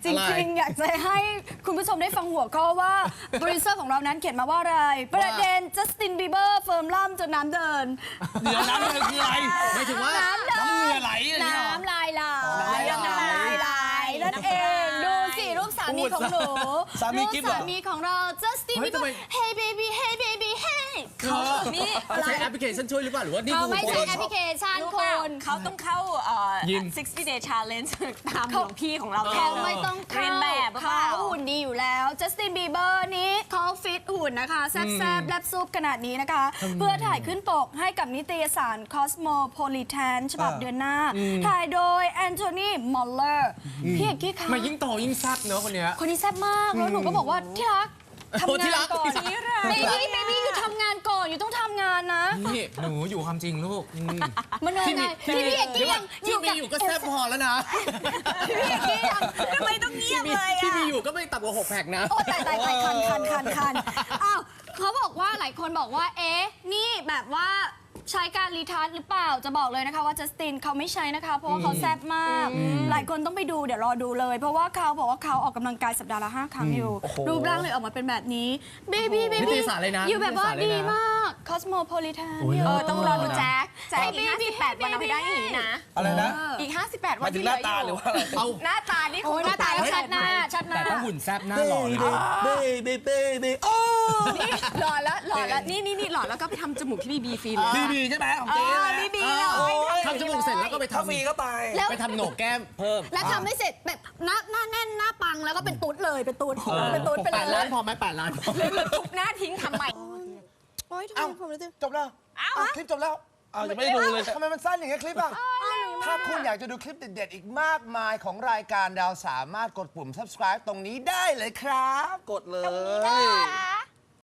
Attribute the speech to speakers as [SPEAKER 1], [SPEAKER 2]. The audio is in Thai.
[SPEAKER 1] ริงๆอยากจะให้คุณผู้ชมได้ฟังหัวข้อว่าโปรดิวเซอร์ของเรานั้นเขียนมาว่าอะไรประเด็นจัสตินบีเบอร์เฟิร์มล่ำจนน้ำเดิน
[SPEAKER 2] เดี๋ยวน้ำเดินคืออะไรหมายถึงว่าน้ำเหงื่อไหลอะไรเงี้ย
[SPEAKER 1] น้ำลายไหลนั่นเองดูสิรูปสามีของหนู
[SPEAKER 3] สามี
[SPEAKER 1] รูป
[SPEAKER 3] กิ๊บเหรอ
[SPEAKER 1] สามีของเราจัสตินบีเบอร์ Hey baby Hey baby Hey
[SPEAKER 2] นี่ใช้แอปพลิเคชันช่วยหรือเปล่าหรือว่านี่
[SPEAKER 1] เขา
[SPEAKER 2] คือ
[SPEAKER 1] ไม่ใช่แอปพลิเคชัน
[SPEAKER 4] รู้
[SPEAKER 1] ค
[SPEAKER 4] เปล่าน เขาต้องเข้า60 day challenge ตามหลวงพี่ของเรา
[SPEAKER 1] เขาไม่ต้อง
[SPEAKER 4] เรียนแบบเป
[SPEAKER 1] เขา
[SPEAKER 4] ล่า
[SPEAKER 1] หุ่นดีอยู่แล้วจัสตินบีเบอร์นี้เขาฟิตหุ่นนะคะแซ่บๆแลบซุปขนาดนี้นะคะ เพื่อถ่ายขึ้นปกให้กับนิตยสาร Cosmopolitan ฉบับเดือนหน้า ถ่ายโดยแอนโทนีมอลเลอร์พี่เอกกี้คะ
[SPEAKER 2] มายิ่งโตยิ่งแซ่บเนอะคนเนี้ย
[SPEAKER 1] คนนี้แซ่บมาก แล้วหนูก็บอกว่าที่รักทำ
[SPEAKER 2] ที่
[SPEAKER 1] งา
[SPEAKER 2] รั
[SPEAKER 1] น
[SPEAKER 2] ก
[SPEAKER 1] ก่อน
[SPEAKER 2] ที่
[SPEAKER 1] เบบี้อยู่ทำงานก่อนอยู่ต้องทำงานนะ
[SPEAKER 2] นี่หนูอยู่ความจริงลูก
[SPEAKER 1] มันยังไงที่พี่เอกกี้ยัง
[SPEAKER 2] ที่มีอยู่ก็แซ่บพอแล้วนะ
[SPEAKER 1] พี่เอกกี้ยัง
[SPEAKER 4] ทำไมต้องเงียบเลย
[SPEAKER 2] ที่
[SPEAKER 4] อ่ะ
[SPEAKER 2] มีอยู่ก็ไม่ต่ำกว่า6 แพ็คนะ
[SPEAKER 1] โอ้ตายคันอ้าวเขาบอกว่าหลายคนบอกว่าเอ๊ะนี่แบบว่าใช้การรีทัชหรือเปล่าจะบอกเลยนะคะว่าจัสตินเขาไม่ใช้นะคะเพราะว่าเขาแซ่บมาก หลายคนต้องไปดูเดี๋ยวรอดูเลย เพราะว่าเขาบอกว่าเขาออกกำลังกายสัปดาห์ละ5 ครั้งอยู่ รูปร่างเลยออกมาเป็นแบบนี้เบบี้
[SPEAKER 2] นิตยสารเลยนะ
[SPEAKER 1] อยู่แบบว่า
[SPEAKER 2] นิตยสารเลยนะ
[SPEAKER 1] ดีมาก Cosmopolitan
[SPEAKER 4] ต้องรอดูแจ็คอีก58 วันเอาให้ได้อย่างนี้นะ
[SPEAKER 3] อะไรนะ
[SPEAKER 4] อีก58
[SPEAKER 3] ห
[SPEAKER 4] วั
[SPEAKER 3] มาน ยถึ
[SPEAKER 4] ที่
[SPEAKER 3] ง
[SPEAKER 4] เห
[SPEAKER 3] ห
[SPEAKER 4] ลื
[SPEAKER 3] น้า
[SPEAKER 4] อ
[SPEAKER 3] ตา
[SPEAKER 4] อ
[SPEAKER 3] หรื
[SPEAKER 4] ยู่
[SPEAKER 3] อว่าอะไร
[SPEAKER 2] เอา
[SPEAKER 4] หน้าตานี่
[SPEAKER 1] โอ้ยหน้าตาแล้วชัดหน้า
[SPEAKER 2] แต่ต้องหุ่นแซ่บหน้า
[SPEAKER 3] เบ้
[SPEAKER 2] หล่อนะ
[SPEAKER 3] เบ้เบ้เบ้เบ้โอ้
[SPEAKER 4] นี่หล่อแล้วนี่หล่อแล้วก็ไปทำจมูกที่บีฟรีเลย
[SPEAKER 3] บีบีใช่ไหมของเจ๊นะ
[SPEAKER 4] บี
[SPEAKER 3] โอ้ย
[SPEAKER 2] ทำจมูกเสร็จแล้วก็ไป
[SPEAKER 3] ถ้าฟรี
[SPEAKER 2] ทำ
[SPEAKER 3] ก็ไป
[SPEAKER 2] ไปทำโหนกแก้มเพิ่ม
[SPEAKER 1] แล้วทำไม่เสร็จแบบหน้าแน่นหน้าปังแล้วก็เป็นตุ๊ดเลยเป็นตุ๊ดไปเล
[SPEAKER 2] 8 ล้าย นพอไหม8 ล้านพอ
[SPEAKER 4] ทุบหน้าทิ้งทำใหม่
[SPEAKER 1] โอ้ยทำไม
[SPEAKER 3] เอ้า
[SPEAKER 1] ผมรู้สึก
[SPEAKER 3] จบแล้วคลิปจบแล้วเอายังไม่ได้ดูเลยทำไมมันสั้นอย่างเงี้ยคลิปอ่ะถ้าคุณอยากจะดูคลิปเด็ดๆอีกมากมายของรายการดาวสามารถกดปุ่ม subscribe ตรงนี้ได้เลยครับ กดเลย